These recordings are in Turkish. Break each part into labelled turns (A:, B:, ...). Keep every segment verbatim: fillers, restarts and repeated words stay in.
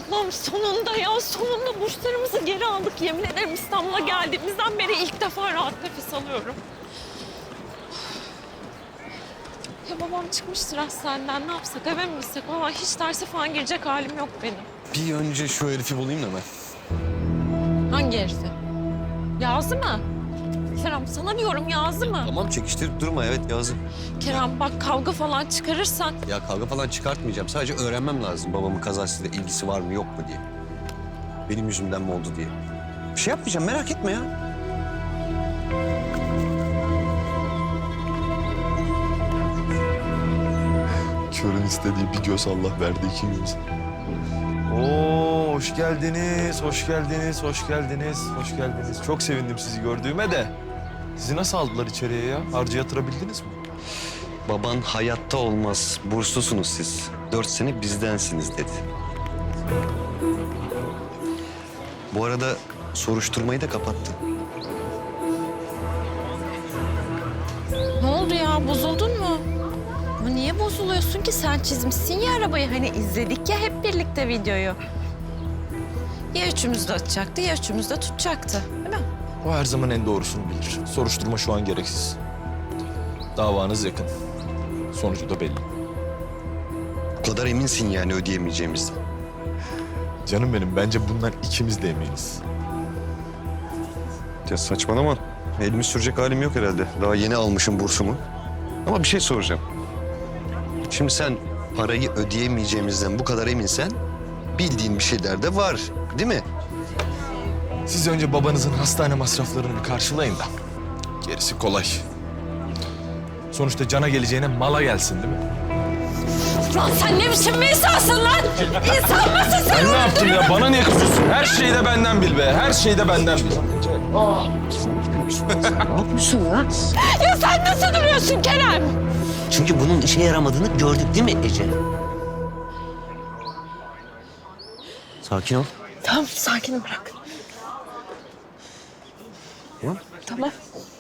A: Allah'ım sonunda ya, sonunda burslarımızı geri aldık. Yemin ederim İstanbul'a geldiğimizden beri ilk defa rahat nefes alıyorum. Ya babam çıkmıştır hastaneden, ne yapsak, eve mi gitsek? Valla hiç derse falan girecek halim yok benim.
B: Bir önce şu herifi bulayım da ben.
A: Hangi herifi? Yazı mı? Kerem sana diyorum, Yazı mı?
B: Tamam, çekiştirip durma. Evet, Yazı.
A: Kerem bak, kavga falan çıkarırsan.
B: Ya kavga falan çıkartmayacağım. Sadece öğrenmem lazım babamın kazasıyla ilgisi var mı yok mu diye. Benim yüzümden mi oldu diye. Bir şey yapmayacağım, merak etme ya.
C: Körün istediği bir göz Allah verdi iki göz. Oo, hoş geldiniz, hoş geldiniz, hoş geldiniz, hoş geldiniz. Çok sevindim sizi gördüğüme de. Sizi nasıl aldılar içeriye ya? Harcı yatırabildiniz mi?
B: Baban hayatta olmaz, burslusunuz siz. Dört sene bizdensiniz dedi. Bu arada soruşturmayı da kapattı.
A: Ne oldu ya, bozuldun mu? Ama niye bozuluyorsun ki? Sen çizmişsin ya arabayı. Hani izledik ya hep birlikte videoyu. Ya üçümüz de atacaktı ya üçümüz de tutacaktı. Değil mi?
C: O her zaman en doğrusunu bilir. Soruşturma şu an gereksiz. Davanız yakın. Sonucu da belli.
B: Bu kadar eminsin yani ödeyemeyeceğimizden.
C: Canım benim, bence bundan ikimiz de eminiz.
B: Ya saçmalama. Elimi sürecek halim yok herhalde. Daha yeni almışım bursumu. Ama bir şey soracağım. Şimdi sen parayı ödeyemeyeceğimizden bu kadar eminsen bildiğin bir şeyler de var, değil mi?
C: Siz önce babanızın hastane masraflarını bir karşılayın da. Gerisi kolay. Sonuçta cana geleceğine mala gelsin değil mi?
A: Lan sen ne biçim bir insansın lan? İnsan mısın sen?
C: Ben ne yaptım ya? Bana niye kızıyorsun? Her şeyi de benden bil be. Her şeyi de benden bil.
A: Ya sen nasıl duruyorsun Kerem?
D: Çünkü bunun işe yaramadığını gördük değil mi Ece? Sakin ol.
A: Tamam, sakin bırak.
B: Tamam.
A: Tamam.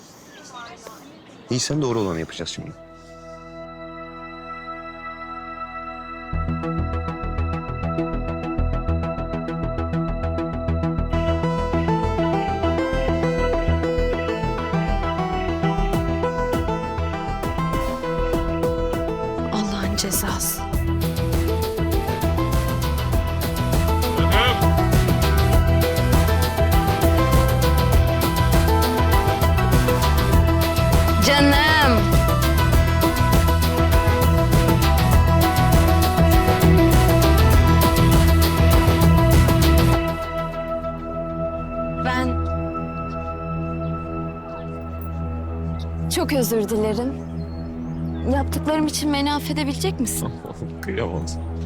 B: İyi, sen doğru olanı yapacağız şimdi.
A: Allah'ın cezası. Canım.
E: Ben çok özür dilerim. Yaptıklarım için beni affedebilecek misin?
C: Kıyamam.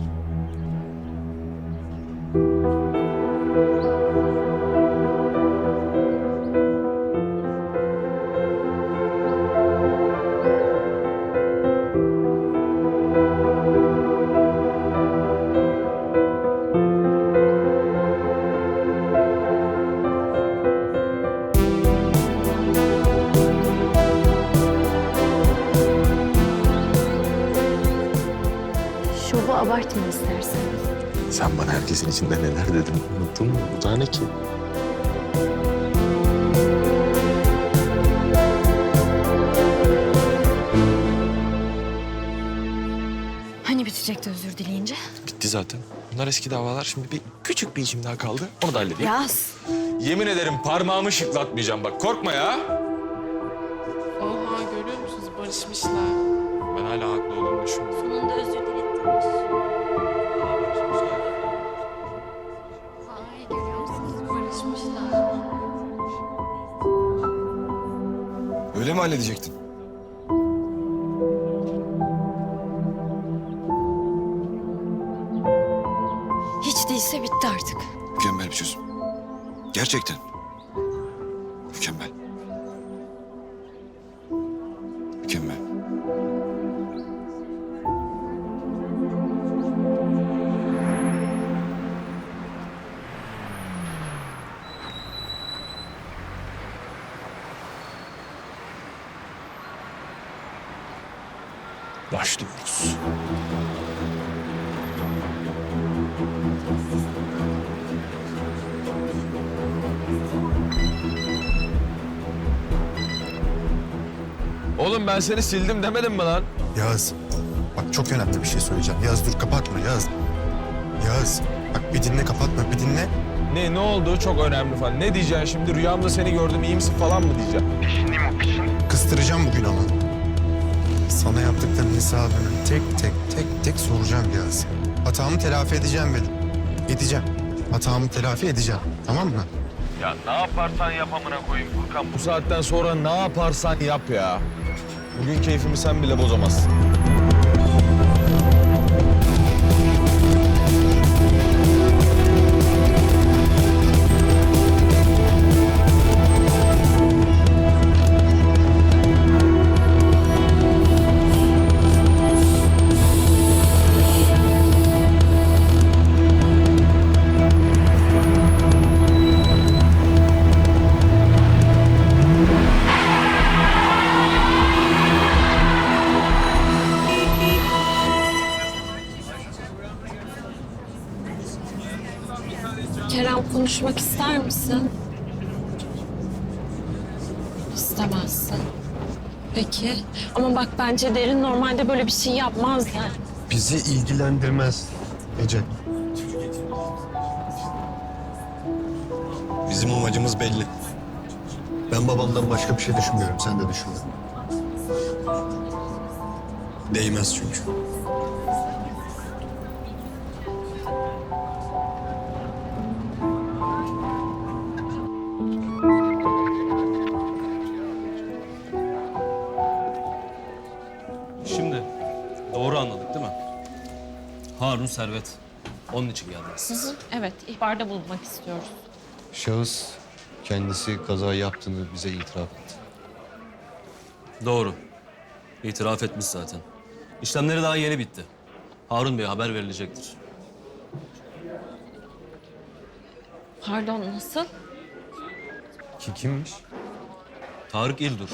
E: Şovu abartma istersen.
C: Sen bana herkesin içinde neler dedin unuttun mu? Bu da ne ki?
E: Hani bitecekti özür dileyince?
C: Bitti zaten. Bunlar eski davalar. Şimdi bir küçük bir işim daha kaldı. Onu da halledeyim.
E: Yaz.
C: Yemin ederim parmağımı şıklatmayacağım bak. Korkma ya.
F: Oha, görüyor musunuz? Barışmışlar.
C: Ben hala haklı olduğumu düşünüyorum.
E: Sonunda özür diledim.
F: Ay, görüyor musunuz? Barışmışlar.
C: Öyle mi halledecektin?
E: Hiç değilse bitti artık.
G: Mükemmel bir çözüm. Gerçekten. Mükemmel. Mükemmel.
C: Başlıyoruz. Oğlum ben seni sildim demedim mi lan?
H: Yağız, bak çok önemli bir şey söyleyeceğim. Yağız dur kapatma Yağız. Yağız, bak bir dinle kapatma bir dinle.
C: Ne ne oldu? Çok önemli falan. Ne diyeceksin şimdi? Rüyamda seni gördüm iyi misin falan mı diyeceksin?
H: Kıstıracağım bugün ama. Sana yaptıklarının hesabını tek tek tek tek soracağım Yağız. Hatamı telafi edeceğim benim. Edeceğim. Hatamı telafi edeceğim. Tamam mı?
C: Ya ne yaparsan yap amına koyayım Furkan. Bu saatten sonra ne yaparsan yap ya. Bugün keyfimi sen bile bozamazsın.
A: Kerem konuşmak ister misin? İstemezsin. Peki. Ama bak bence Derin normalde böyle bir şey yapmaz yani.
B: Bizi ilgilendirmez Ece. Bizim amacımız belli. Ben babamdan başka bir şey düşünmüyorum. Sen de düşünme. Değmez çünkü.
I: Şimdi doğru anladık değil mi? Harun Servet. Onun için geldiniz.
A: Evet, ihbarda bulunmak istiyoruz.
B: Şahıs kendisi kaza yaptığını bize itiraf etti.
I: Doğru. İtiraf etmiş zaten. İşlemleri daha yeni bitti. Harun Bey'e haber verilecektir.
A: Pardon, nasıl?
B: Ki kimmiş?
I: Tarık İldur.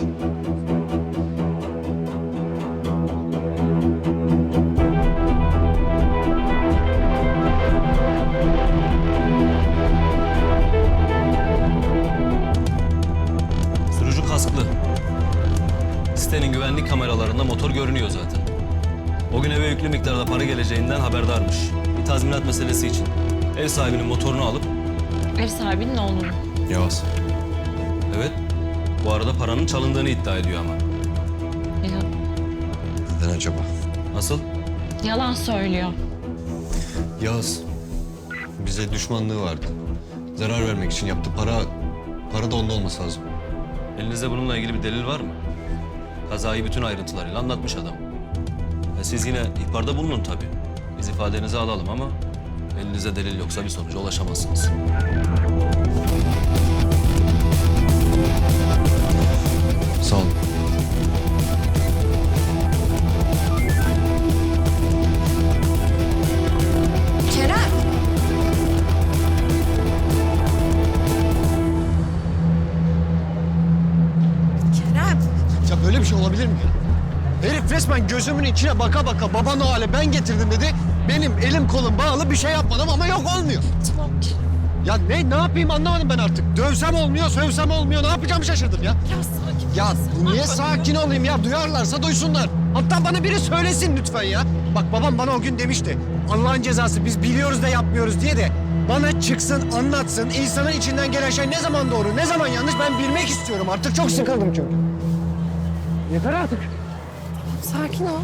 I: Sürücü kasklı. Sitenin güvenlik kameralarında motor görünüyor zaten. O gün eve yüklü miktarda para geleceğinden haberdarmış. Bir tazminat meselesi için. Ev sahibinin motorunu alıp...
A: Ev sahibinin oğlunu.
B: Yağız.
I: Evet, bu arada paranın çalındığını iddia ediyor ama.
A: Ya,
B: Neden acaba?
I: Nasıl?
A: yalan söylüyor.
B: Yağız. Bize düşmanlığı vardı. Zarar vermek için yaptı. Para, para da onda olması lazım.
I: Elinizde bununla ilgili bir delil var mı? Kazayı bütün ayrıntılarıyla anlatmış adam. E siz yine ihbarda bulunun tabii. Biz ifadenizi alalım ama elinizde delil yoksa bir sonuca ulaşamazsınız.
B: Sağ olun.
A: Kerem! Kerem!
B: Ya böyle bir şey olabilir mi ya? Herif resmen gözümün içine baka baka baba Noel'e ben getirdim dedi. Benim elim kolum bağlı bir şey yapmadım ama yok olmuyor.
A: Tamam Kerem.
B: Ya ne ne yapayım anlamadım ben artık. Dövsem olmuyor, sövsem olmuyor. Ne yapacağımı şaşırdım ya.
A: Biraz sakin.
B: Ya
A: ol.
B: niye
A: Bak,
B: sakin olayım ya? Duyarlarsa duysunlar. Hatta bana biri söylesin lütfen ya. Bak babam bana o gün demişti. Allah'ın cezası biz biliyoruz da yapmıyoruz diye de bana çıksın anlatsın. İnsanın içinden gelen şey ne zaman doğru, ne zaman yanlış ben bilmek istiyorum. Artık çok sıkıldım çünkü. Yeter artık.
A: Sakin ol.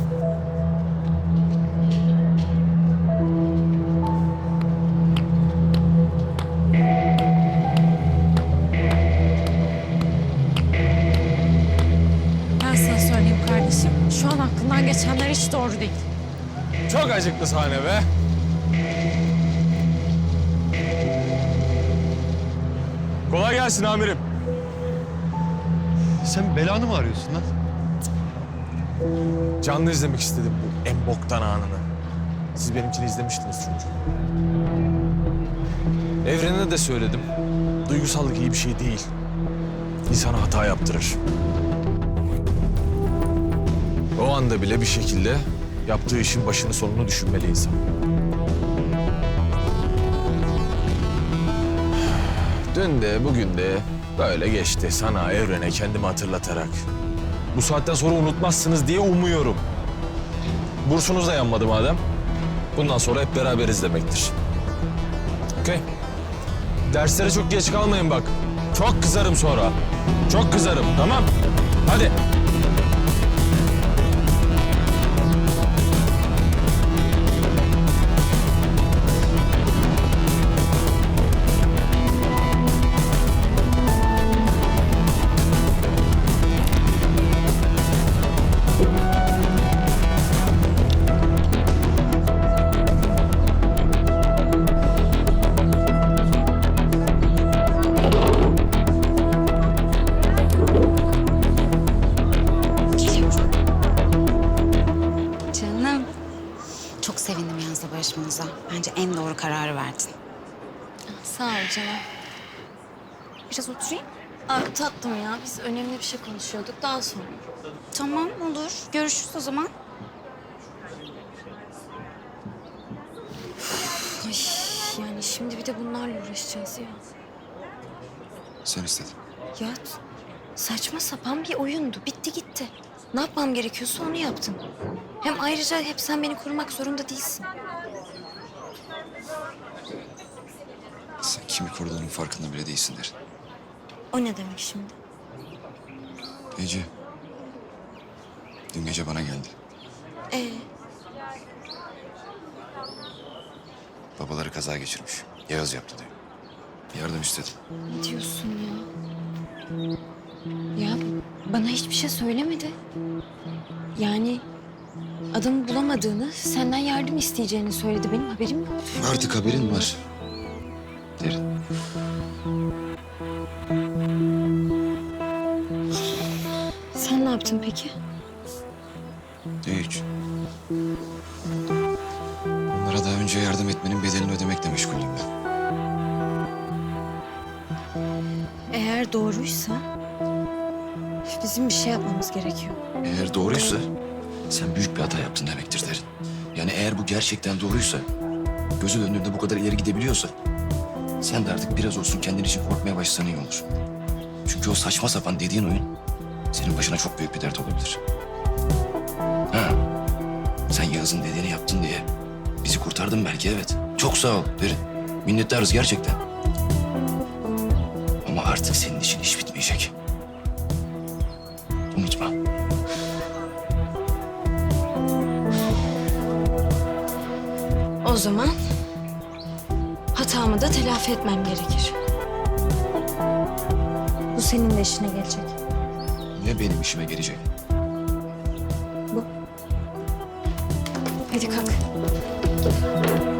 A: Ben sana söyleyeyim kardeşim. Şu an aklından geçenler hiç doğru değil.
C: Çok acıklı sahne be. Kolay gelsin amirim.
B: Sen belanı mı arıyorsun lan?
C: Canlı izlemek istedim bu en boktan anını. Siz benimkini izlemiştiniz çünkü. Evren'e de söyledim. Duygusallık iyi bir şey değil. İnsana hata yaptırır. O anda bile bir şekilde yaptığı işin başını sonunu düşünmeli insan. Dün de bugün de böyle geçti sana, Evren'e kendimi hatırlatarak. Bu saatten sonra unutmazsınız diye umuyorum. Bursunuz da yanmadı madem. Bundan sonra hep beraberiz demektir. Okey. Derslere çok geç kalmayın bak. Çok kızarım sonra. Çok kızarım, tamam? Hadi.
J: Canım. Çok sevindim Yaz'la barışmanıza. Bence en doğru kararı verdin.
E: Sağ ol canım.
J: Biraz oturayım.
E: Aa, tatlım ya. Biz önemli bir şey konuşuyorduk. Daha sonra.
J: Tamam olur. Görüşürüz o zaman.
E: Üf, Ay, yani şimdi bir de bunlarla uğraşacağız ya.
G: Sen istedin.
E: Ya saçma sapan bir oyundu. Bitti gitti. Ne yapmam gerekiyorsa onu yaptım. Hem ayrıca hep sen beni korumak zorunda değilsin.
G: Sen kimi koruduğunun farkında bile değilsin derin.
E: O ne demek şimdi?
G: Ece. Dün gece bana geldi.
E: Ee,
G: Babaları kaza geçirmiş. Yağız yaptı diyor. Yardım istedi.
E: ne diyorsun ya? Ya bana hiçbir şey söylemedi. Yani adamı bulamadığını, senden yardım isteyeceğini söyledi. Benim haberim yok.
G: Artık haberin var. Derin.
E: Sen ne yaptın peki?
G: Hiç. Onlara daha önce yardım etmenin bedelini ödemekle meşgulüm ben.
E: Eğer doğruysa bizim bir şey yapmamız gerekiyor.
G: Eğer doğruysa sen büyük bir hata yaptın demektir derin. Yani eğer bu gerçekten doğruysa, gözü döndüğünde bu kadar ileri gidebiliyorsa, sen de artık biraz olsun kendin için korkmaya başlasan iyi olur. Çünkü o saçma sapan dediğin oyun senin başına çok büyük bir dert olabilir. Ha, sen Yağız'ın dediğini yaptın diye bizi kurtardın belki, evet. Çok sağ ol derin. Minnettarız gerçekten. Ama artık senin için iş bitmeyecek. Unutma.
E: O zaman hatamı da telafi etmem gerekir. Bu senin de işine gelecek.
G: Ne benim işime gelecek?
E: Hadi kalk.